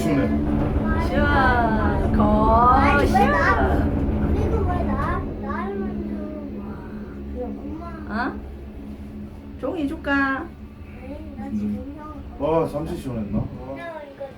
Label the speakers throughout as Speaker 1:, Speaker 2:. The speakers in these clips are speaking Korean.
Speaker 1: 시원해.
Speaker 2: 시원 거 시원.
Speaker 3: 그리고 왜 나를 만져? 엄마.
Speaker 2: 어? 종이 줄까?
Speaker 3: 아니, 나 지금 형.
Speaker 1: 와 잠시 시원했나? 와,
Speaker 3: 형 이거 내 거야.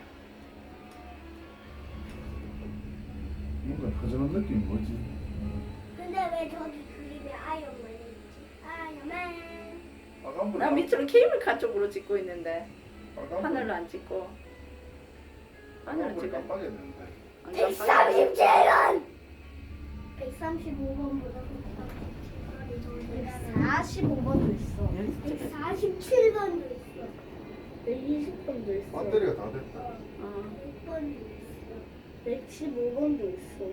Speaker 1: 뭔가 허전한 느낌이 뭐지?
Speaker 3: 근데 왜 저기 그림에 아이언맨이 있지? 아이언맨.
Speaker 1: 빨간불.
Speaker 2: 나 밑으로 케이블카 쪽으로 찍고 있는데
Speaker 1: 빨간불.
Speaker 2: 하늘로 안 찍고. 하늘로
Speaker 1: 빨간불
Speaker 2: 찍어.
Speaker 1: 깜빡했는데.
Speaker 2: 안 깜빡이야.
Speaker 3: 137원. 135번보다 145번도 있어. 147번도 있어. 120번도 있어.
Speaker 1: 배터리가 다 됐다.
Speaker 3: 100번도 있어.
Speaker 4: 115번도 있어.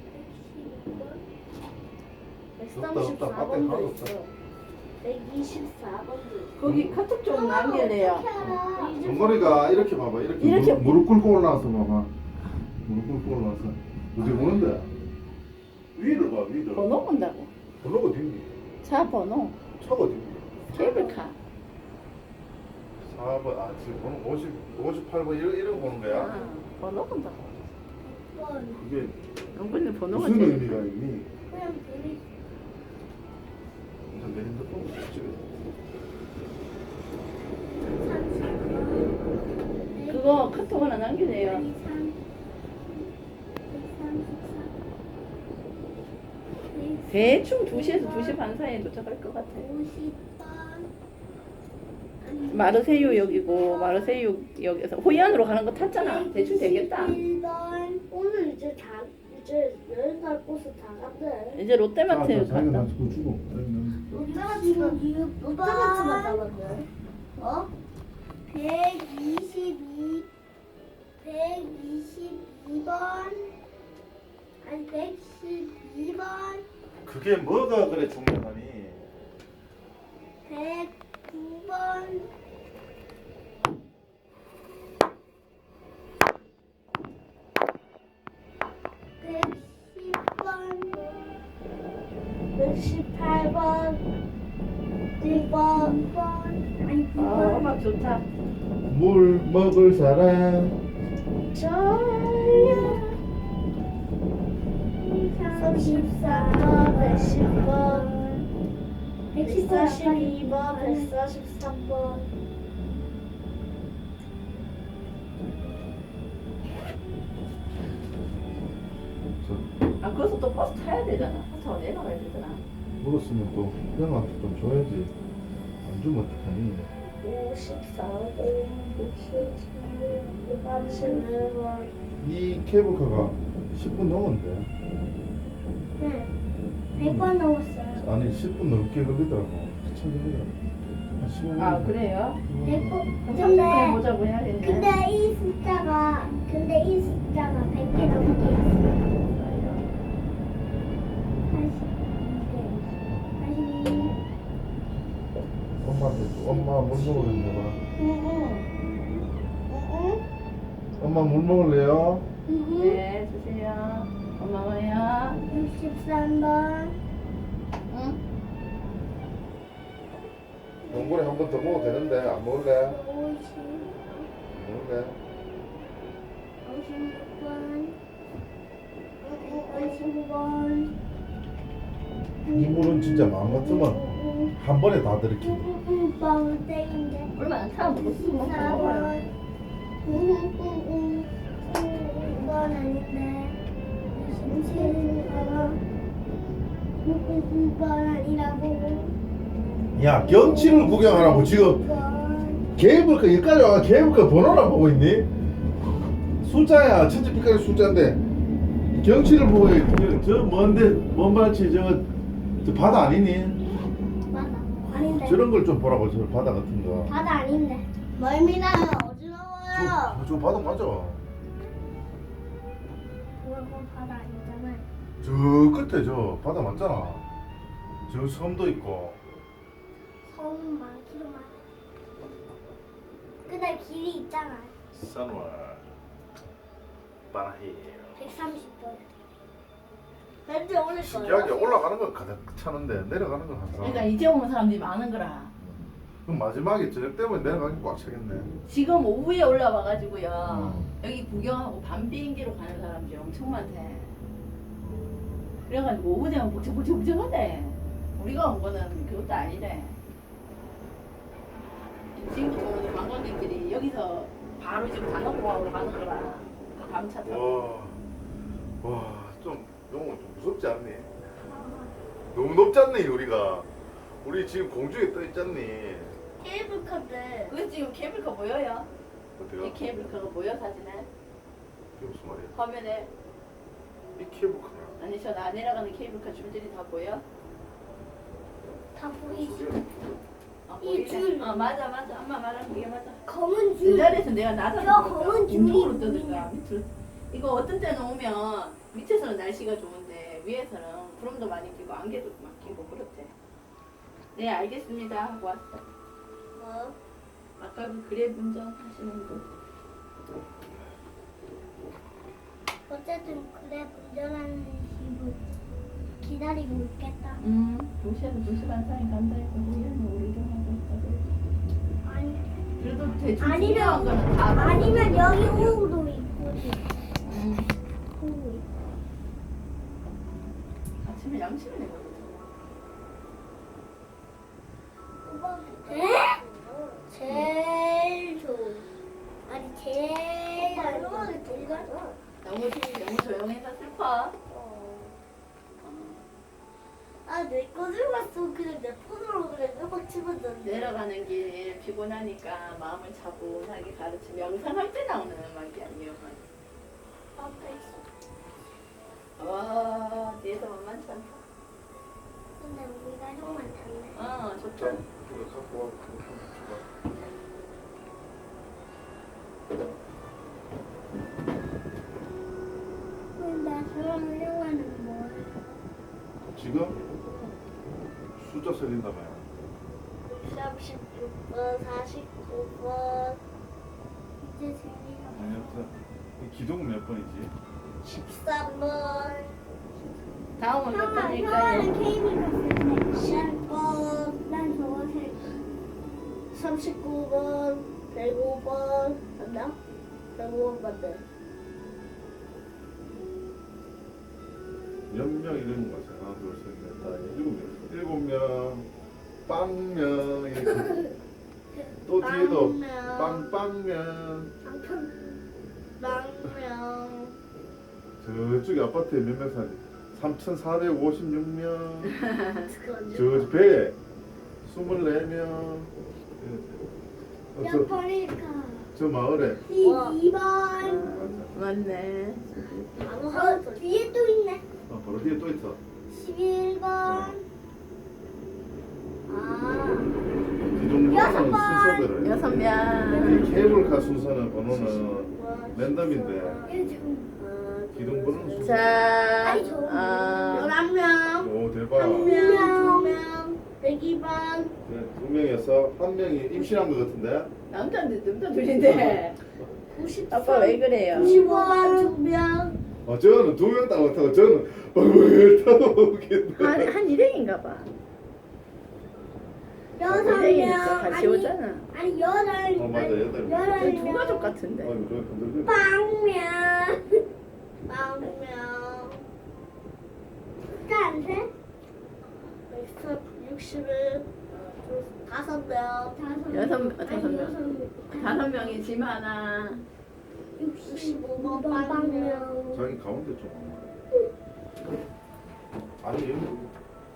Speaker 3: 115번.
Speaker 1: 없다, 없다. 배터리 하나도
Speaker 4: 134번도
Speaker 1: 없다.
Speaker 4: 있어. 124번도 있어.
Speaker 2: 거기 카톡 좀 남길래요.
Speaker 1: 정거리가 이렇게 봐봐.
Speaker 2: 이렇게
Speaker 1: 무릎 꿇고 올라와서 봐봐. 무릎 꿇고 올라와서 어디 보는데? 위를 봐 위를.
Speaker 2: 번호 본다고.
Speaker 1: 번호가 어디?
Speaker 2: 차 번호.
Speaker 1: 차가 어디?
Speaker 2: 케이블카.
Speaker 1: 4번. 아 지금 번호 58번 이런 보는 거야?
Speaker 2: 아, 번호 본다고.
Speaker 1: 그게
Speaker 2: 영근이 번호가
Speaker 1: 무슨
Speaker 2: 제일
Speaker 1: 의미가 있니?
Speaker 3: 그냥 둘이
Speaker 1: 내 핸드폰 찍어.
Speaker 2: 그거 카톡 하나 남기네요. 대충 2시에서 2시 반 사이에 도착할 것 같아.
Speaker 3: 50번.
Speaker 2: 마르세유 역이고 마르세유 역에서 호이안으로 가는 거 탔잖아. 대충 되겠다.
Speaker 3: 1번.
Speaker 4: 오늘 이제 10살 버스 다 간대.
Speaker 2: 이제 롯데마트
Speaker 1: 자기가
Speaker 2: 갔다.
Speaker 1: 나 그거 주고.
Speaker 4: 롯데마트만 나갔네.
Speaker 3: 어? 122 122번 아니 112번
Speaker 1: 그게 뭐가 그래 중요하니?
Speaker 3: 109번
Speaker 4: 118번.
Speaker 3: 110번 아니 9번
Speaker 2: 음악 좋다.
Speaker 1: 물 먹을 사람.
Speaker 4: 저야. 34번, 110번, 142번, 143번.
Speaker 2: 아 거기서 또 버스 타야 되잖아. 버스 타고 내려가야 되잖아.
Speaker 1: 물었으면 또 형한테 좀 줘야지. 안 주면 어떡하니?
Speaker 4: 54번, 67번, 34번.
Speaker 1: 이 케이블카가 10분 넘었는데.
Speaker 3: 네 100번 넘었어요
Speaker 1: 아니 10분 넘게 걸리더라고. 한참 걸리더라고. 한 15분.
Speaker 2: 아 그래요?
Speaker 3: 100번
Speaker 2: 근데
Speaker 3: 근데
Speaker 2: 보자고 해야겠네.
Speaker 3: 근데 이 숫자가 100개 넘게 있어요 82개
Speaker 1: 엄마한테 줘. 엄마 물 먹으려나 봐. 엄마 물 먹을래요?
Speaker 3: 82
Speaker 2: 네 주세요. 고마워요.
Speaker 3: 63번
Speaker 2: 응?
Speaker 1: 동굴에 한 번 더 먹어도 되는데 안 먹을래?
Speaker 3: 50
Speaker 1: 먹을래?
Speaker 3: 56번 55번
Speaker 1: 이 물은 진짜 마음 같으면 한 번에 다 들이킨다.
Speaker 3: 56번 땡인데
Speaker 2: 얼마 안 타. 먹었어. 먹어요.
Speaker 3: 4번 6번 아닌데 27번 6번 아니라고
Speaker 1: 야 경치를 구경하라고 지금 케이블카 여기까지 와 케이블카 번호나 보고 있니? 숫자야 천지빛깔의 숫자인데 경치를 보고 저 먼데 먼 발치 저 바다 아니니?
Speaker 3: 맞아 아닌데
Speaker 1: 저런 걸 좀 보라고 저 바다 같은 거.
Speaker 3: 바다 아닌데 멀미나요 어지러워요
Speaker 1: 저 바다 맞아.
Speaker 3: 그건 바다 아니잖아
Speaker 1: 저 끝에 저 바다 맞잖아. 저 섬도 있고.
Speaker 3: 섬은 많기도 많아 근데 길이 있잖아
Speaker 1: 산월 바나히
Speaker 3: 130번
Speaker 4: 왠지 오늘 거야.
Speaker 1: 신기하게 올라가는 건 가득 차는데 내려가는 건 항상.
Speaker 2: 그러니까 이제 오는 사람들이 많은 거라.
Speaker 1: 그럼 마지막에 저녁 때문에 내려가긴 꽉 차겠네.
Speaker 2: 지금 오후에 올라와가지고요. 여기 구경하고 밤 비행기로 가는 사람들이 엄청 많대. 그래가지고 오후 되면 북적북적북적하대. 우리가 온 거는 그것도 아니래. 지금부터 오는 관광객들이 여기서 바로 지금 장어공항으로 가는 거라. 밤차 타고.
Speaker 1: 좀 너무 좀 무섭지 않니? 너무 높지 않니 우리가? 우리 지금 공중에 떠 있지 않니?
Speaker 4: 케이블카인데
Speaker 2: 그게 지금 케이블카 보여요?
Speaker 1: 어때요?
Speaker 2: 이 케이블카가 보여 사진에?
Speaker 1: 이게 무슨 말이야?
Speaker 2: 화면에?
Speaker 1: 이 케이블카야.
Speaker 2: 아니 저 나 내려가는 케이블카 줄들이 다 보여?
Speaker 4: 다 보이지?
Speaker 2: 아,
Speaker 4: 이 줄.
Speaker 2: 맞아 엄마 말하는 그게 맞아.
Speaker 4: 검은
Speaker 2: 그
Speaker 4: 줄.
Speaker 2: 자리에서 내가 나서
Speaker 4: 저 검은 줄이
Speaker 2: 왼쪽으로 떠들까
Speaker 4: 뭐냐?
Speaker 2: 밑으로. 이거 어떤 때는 오면 밑에서는 날씨가 좋은데 위에서는 구름도 많이 끼고 안개도 막 끼고 그렇대. 네 알겠습니다 하고 왔어.
Speaker 4: 뭐?
Speaker 2: 아까 그 그랩 운전 하시는 분.
Speaker 3: 어쨌든 그래 운전하는 집을 기다리고 있겠다.
Speaker 2: 도시에서 2시간 사이 간다 해서 우리는 우리도 하고 있다.
Speaker 3: 아니,
Speaker 2: 그래도 대충
Speaker 3: 아니면-
Speaker 2: 중요한 거는 다
Speaker 3: 아니면 여기 호우도 있고
Speaker 2: 음.
Speaker 3: 호우 있고.
Speaker 2: 아침에 양치를 내거든.
Speaker 3: 제일 좋은. 아니 제일 안 좋은 동가.
Speaker 2: 너무 조용해서 슬퍼.
Speaker 3: 아내 거들 봤어. 그냥 내 폰으로 그냥 음악 집어넣는데.
Speaker 2: 내려가는 길 피곤하니까 마음을 차분하게 가르치며 명상할 때 나오는 음악이 아니에요.
Speaker 3: 앞에 있어.
Speaker 2: 와 뒤에서 만만치 않다.
Speaker 3: 근데 우리 가족만 탔네.
Speaker 2: 좋다.
Speaker 1: 이거 갖고 와. 그거 좀 줘봐.
Speaker 3: 나 저랑 하려고는 뭐야?
Speaker 1: 지금 숫자 살린다며.
Speaker 4: 36번, 49번,
Speaker 3: 이제 재미가.
Speaker 1: 아니었어. 기둥은 몇 번이지?
Speaker 4: 13번,
Speaker 2: 다음은 몇
Speaker 3: 형아는
Speaker 2: 번일까요?
Speaker 3: 케이블 갔을 때.
Speaker 4: 10번,
Speaker 3: 난 저거 살.
Speaker 4: 39번, 105번, 맞나? 105번 맞네.
Speaker 1: 몇 명 이름인 거지? 하나, 둘, 셋, 넷, 다 일곱 명, 빵명 이렇게. 또 뒤에도 빵빵명.
Speaker 4: 망명,
Speaker 1: 저쪽에 아파트에 몇 명 사지? 3,456명.
Speaker 4: 그건
Speaker 1: 저 배에 24명.
Speaker 3: 몇 번일까?
Speaker 1: 저 마을에.
Speaker 4: 와.
Speaker 3: 2번.
Speaker 2: 맞네.
Speaker 3: 뒤에 또 있네.
Speaker 1: 바로 뒤에 또 있어.
Speaker 3: 11번.
Speaker 1: 기둥
Speaker 3: 여섯
Speaker 1: 번호는
Speaker 3: 번.
Speaker 1: 순서대로.
Speaker 2: 6명.
Speaker 1: 이 케이블카 순서는 번호는 랜덤인데 기둥 번호는 순서.
Speaker 2: 자,
Speaker 3: 아니, 저-
Speaker 4: 11명,
Speaker 1: 오 대박.
Speaker 4: 1명, 102번,
Speaker 1: 네, 두 명에서 한 명이 임신한 것 같은데.
Speaker 2: 남자 둘인데.
Speaker 4: 93,
Speaker 2: 아빠 왜 그래요?
Speaker 4: 95번, 2명,
Speaker 1: 저는 두 명 따고 타고 저는 왜 타고 오겠네.
Speaker 2: 한 일행인가 봐. 일행이니까 같이
Speaker 3: 아니,
Speaker 2: 오잖아.
Speaker 3: 아니 여덟.
Speaker 1: 맞아, 여덟 명.
Speaker 3: 여덟
Speaker 2: 두
Speaker 3: 명.
Speaker 2: 가족 같은데.
Speaker 1: 아이고 저 흔들리네.
Speaker 3: 빵면.
Speaker 4: 빵명,
Speaker 3: 안 돼?
Speaker 4: 161, 5명,
Speaker 2: 다섯 명. 5명이 짐 하나.
Speaker 4: 65번
Speaker 3: 빵면.
Speaker 4: 빵명,
Speaker 1: 자기 가운데 좀. 아니 여기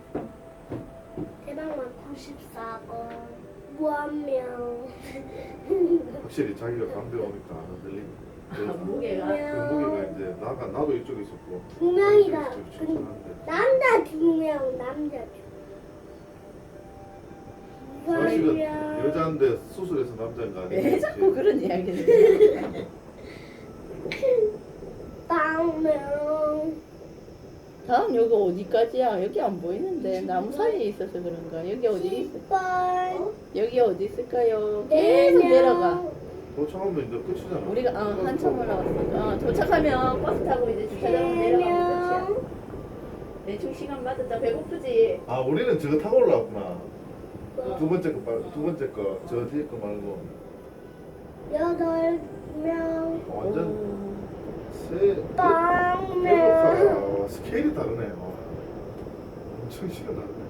Speaker 4: 대방만 94번,
Speaker 3: 무한명.
Speaker 1: 확실히 자기가 가운데 오니까 안 흔들리네.
Speaker 2: 무게가.
Speaker 1: 그 무게가 이제 나도 이쪽에 있었고.
Speaker 3: 두 명이다.
Speaker 1: 이쪽에 출출한데.
Speaker 3: 남자 2명, 남자 2명.
Speaker 1: 사실은 여자인데 수술해서 남자인 거 아니야?
Speaker 2: 왜 자꾸 그런 이야기를 해?
Speaker 3: 빵명.
Speaker 2: 다음 여기 어디까지야? 여기 안 보이는데 나무 사이에 있어서 그런가? 여기 어디 있어?
Speaker 3: 10번.
Speaker 2: 여기 어디 있을까요?
Speaker 3: 네
Speaker 2: 계속
Speaker 3: 명.
Speaker 2: 내려가.
Speaker 1: 도착하면 이제 끝이잖아.
Speaker 2: 우리가 한참 올라갔어. 도착하면 버스 타고 이제 주차장으로 내려가면 끝이야. 대충 시간 맞았다. 배고프지?
Speaker 1: 아 우리는 저거 타고 올라왔구나. 두 번째 거 저 뒤에 거 말고.
Speaker 3: 8. 빵명.
Speaker 1: 완전 새
Speaker 3: 빵명.
Speaker 1: 케이블카가 스케일이 다르네요. 엄청 시가 다르네.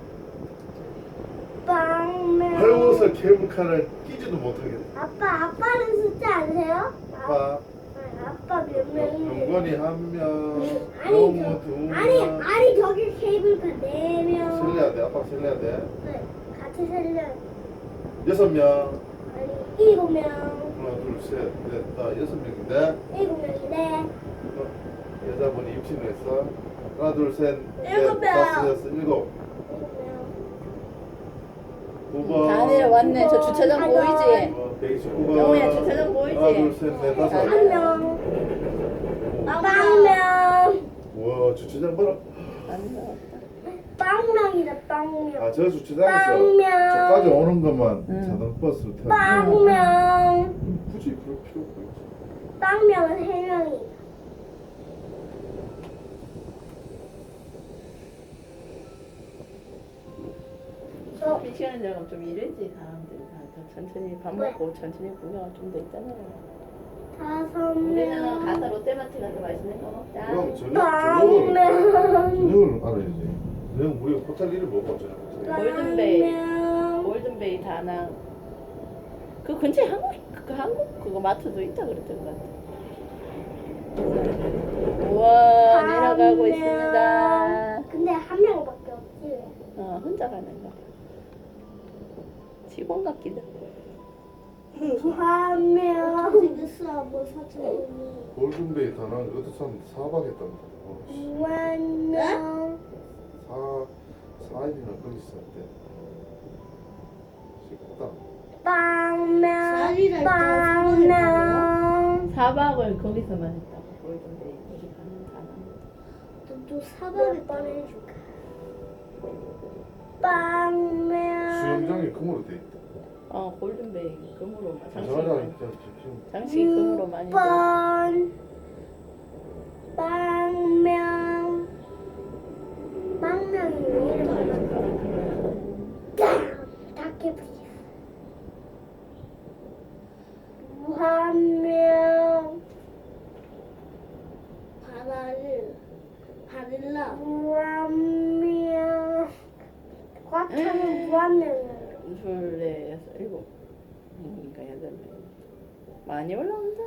Speaker 3: 빵명.
Speaker 1: 헐벗어 케이블카를 끼지도 못하겠네.
Speaker 3: 아빠는 숫자 아세요?
Speaker 1: 아빠,
Speaker 3: 아빠 몇 명인데?
Speaker 1: 영건이 한 명,
Speaker 3: 아니,
Speaker 1: 영무 두 명.
Speaker 3: 아니 저기 케이블카 4명.
Speaker 1: 살려야 돼. 아빠 살려야 돼.
Speaker 3: 네, 같이 살려.
Speaker 1: 6명.
Speaker 3: 아니 7명.
Speaker 1: 하나, 둘, 셋, 넷, 다 6명인데
Speaker 3: 7명인데
Speaker 1: 여자분이 임신을 했어. 하나, 둘, 셋, 넷,
Speaker 3: 7명.
Speaker 1: 다섯, 여섯, 일곱. 9번.
Speaker 2: 다 내려왔네. 저 주차장 보이지?
Speaker 1: 129번.
Speaker 2: 영우야, 주차장 보이지?
Speaker 1: 하나, 둘, 셋, 넷, 다섯.
Speaker 3: 한 명. 빵명.
Speaker 1: 와, 주차장 봐라.
Speaker 2: 안 나왔다.
Speaker 3: 빵명이다 빵명.
Speaker 1: 아, 저 주차장에서
Speaker 3: 빵명.
Speaker 1: 저까지 오는 것만
Speaker 2: 응.
Speaker 1: 자동버스로 타고.
Speaker 3: 빵명.
Speaker 1: 굳이 그럴 필요 없고.
Speaker 3: 빵명은 3명이.
Speaker 2: 이 시간에 들어가면 좀 이러지 사람들이 다 천천히 밥
Speaker 3: 왜?
Speaker 2: 먹고 천천히 구경할 좀 더 있잖아요.
Speaker 3: 5명.
Speaker 2: 우리는 가서 롯데마트 가서 맛있는 거 먹자.
Speaker 1: 그럼
Speaker 3: 빵명.
Speaker 1: 저녁을 알아야지. 저녁 우리 호텔 이름 뭐고 저녁 호텔.
Speaker 2: 골든베이.
Speaker 3: 빵명.
Speaker 2: 골든베이 다낭. 그 근처에 한국 그거 마트도 있다 그랬던 것 같아. 우와 내려가고
Speaker 3: 빵명.
Speaker 2: 있습니다.
Speaker 3: 근데 한 명밖에 없지.
Speaker 2: 혼자 가는 거. 직원 같기도.
Speaker 3: 한 명. 생겼어 뭐 사진이.
Speaker 1: 골든베이 다낭 그것도 참 4박 했답니다.
Speaker 3: 한 명.
Speaker 1: 4일이나 거기 있었대. 식당.
Speaker 3: 빵명. 빵명.
Speaker 2: 4박을 거기서만 했다고. 골든베이 거기 가는 다낭.
Speaker 3: 또 사과를 꺼내줄까? 빵명.
Speaker 1: 수영장이 금으로 돼 있다.
Speaker 2: 골든베이 금으로
Speaker 1: 장사장
Speaker 2: 장식이 금으로 많이 돼.
Speaker 3: 6번. 빵명. 빵명이 왜 이렇게 많아? 닭개불이야. 무한명. 바닐라. 무한명. 꽉 차면 무한명이야.
Speaker 2: 둘, 넷, 여섯, 일곱. 그러니까 8명. 많이 올라온다.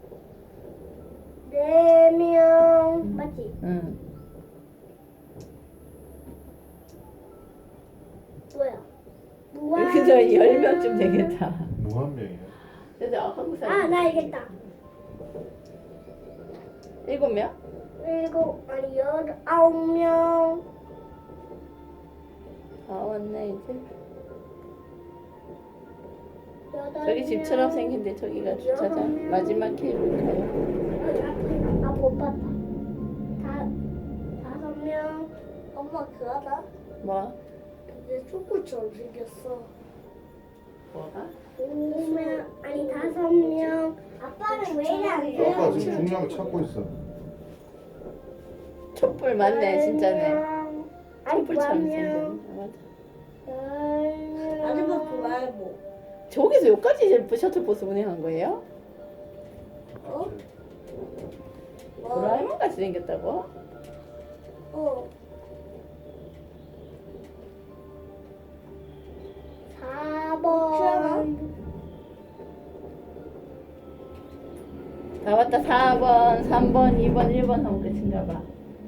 Speaker 3: 4명. 맞지?
Speaker 2: 응.
Speaker 3: 뭐야?
Speaker 2: 여기서 10명쯤 되겠다.
Speaker 1: 무한명이야.
Speaker 2: 근데 한국 사람.
Speaker 3: 아, 나 알겠다.
Speaker 2: 7명?
Speaker 3: 9명.
Speaker 2: 다 왔네 이제.
Speaker 3: 여덟
Speaker 2: 저기
Speaker 3: 명.
Speaker 2: 집처럼 생긴데 저기가 주차장. 마지막 케이블카요.
Speaker 3: 못 봤다. 5명. 엄마 그거 알아?
Speaker 2: 뭐?
Speaker 3: 근데 초코처럼 생겼어.
Speaker 2: 뭐가?
Speaker 3: 5명. 아니 5명. 아빠는 왜 이래 안 돼요?
Speaker 1: 아빠 지금 중요한 거 찾고 있어.
Speaker 2: 촛불 맞네 진짜네.
Speaker 3: 아니
Speaker 2: 촛불처럼
Speaker 3: 9명.
Speaker 2: 생겼네. 맞아.
Speaker 3: 아줌마 그거 말고.
Speaker 2: 저기서 여기까지 셔틀버스 운행한 거예요?
Speaker 3: 어?
Speaker 2: 도라에몽 같이 생겼다고?
Speaker 3: 어. 4번.
Speaker 2: 다 왔다. 4번, 3번, 2번, 1번 하면 끝인가 봐.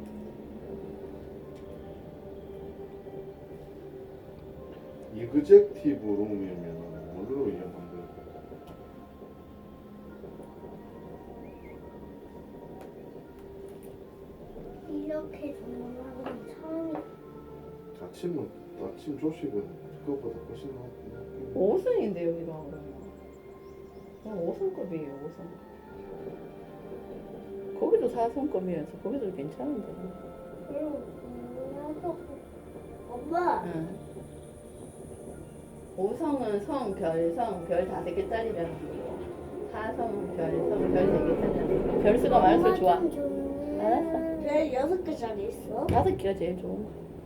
Speaker 1: 이그젝티브 룸이면 뭘로 이용한대?
Speaker 3: 이렇게 주문하는 건 처음이야.
Speaker 1: 아침 조식은 그것보다 훨씬 낫긴
Speaker 2: 5승인데 여기가 그냥 5승급이에요. 5승급. 거기도 4승급이어서 거기도 괜찮은데.
Speaker 3: 엄마.
Speaker 2: 응. 5성은 성, 별, 별 5개짜리라는 거고 4성은 별, 별 3개짜리라는 거. 별수가 많을수록 좋아. 알았어.
Speaker 3: 왜 6개짜리 있어?
Speaker 2: 5개가 제일 좋은 거.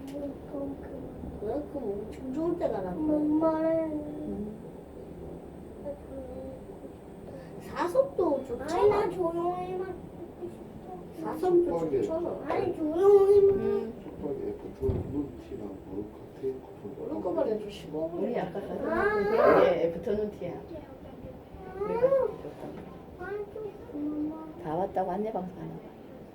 Speaker 3: 그럼 엄청 좋을 때가 난 거야. 엄마는
Speaker 2: 응.
Speaker 4: 사섭도
Speaker 3: 아니 나
Speaker 4: 좋잖아.
Speaker 3: 조용히만.
Speaker 4: 사섭도
Speaker 5: 슈퍼게.
Speaker 4: 좋잖아.
Speaker 3: 아니 조용히만.
Speaker 5: 슈퍼게 애프터 눈티랑 모로카
Speaker 4: 모를 거만 해도 15분.
Speaker 2: 우리 아까 가서 그게 애프터눈 티야. 우리가 좋다.
Speaker 3: 아니 좀 그만.
Speaker 2: 다 왔다고 안내 방송하나 봐.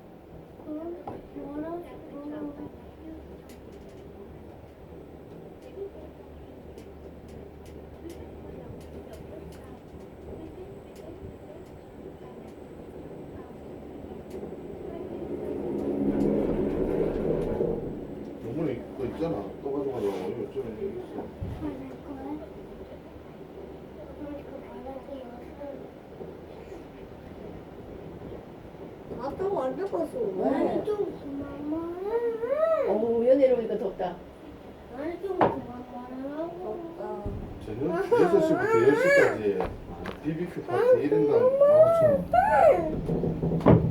Speaker 5: 요번에 그거 있잖아. 또 가져가려고 요즘에 여기 있어.
Speaker 4: 아빠가 안 잡았어.
Speaker 3: 아니
Speaker 4: 왜?
Speaker 3: 좀 그만.
Speaker 2: 어우 연애로 오니까 덥다.
Speaker 3: 아니 좀 그만 말하고.
Speaker 4: 없다.
Speaker 5: 저녁 6시부터 10시까지 BBQ 파티 1인당 15,000원.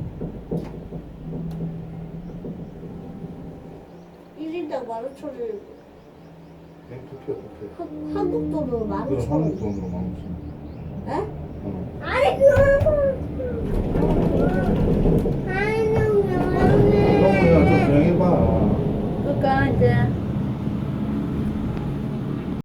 Speaker 4: 1인당 15,000원.
Speaker 5: 뱅크표 뷔페.
Speaker 4: 한국 돈으로
Speaker 5: 그럼
Speaker 4: 15,000원.
Speaker 5: 한국 돈으로 15,000원.
Speaker 4: 에?
Speaker 5: 응.
Speaker 3: 아니 그만.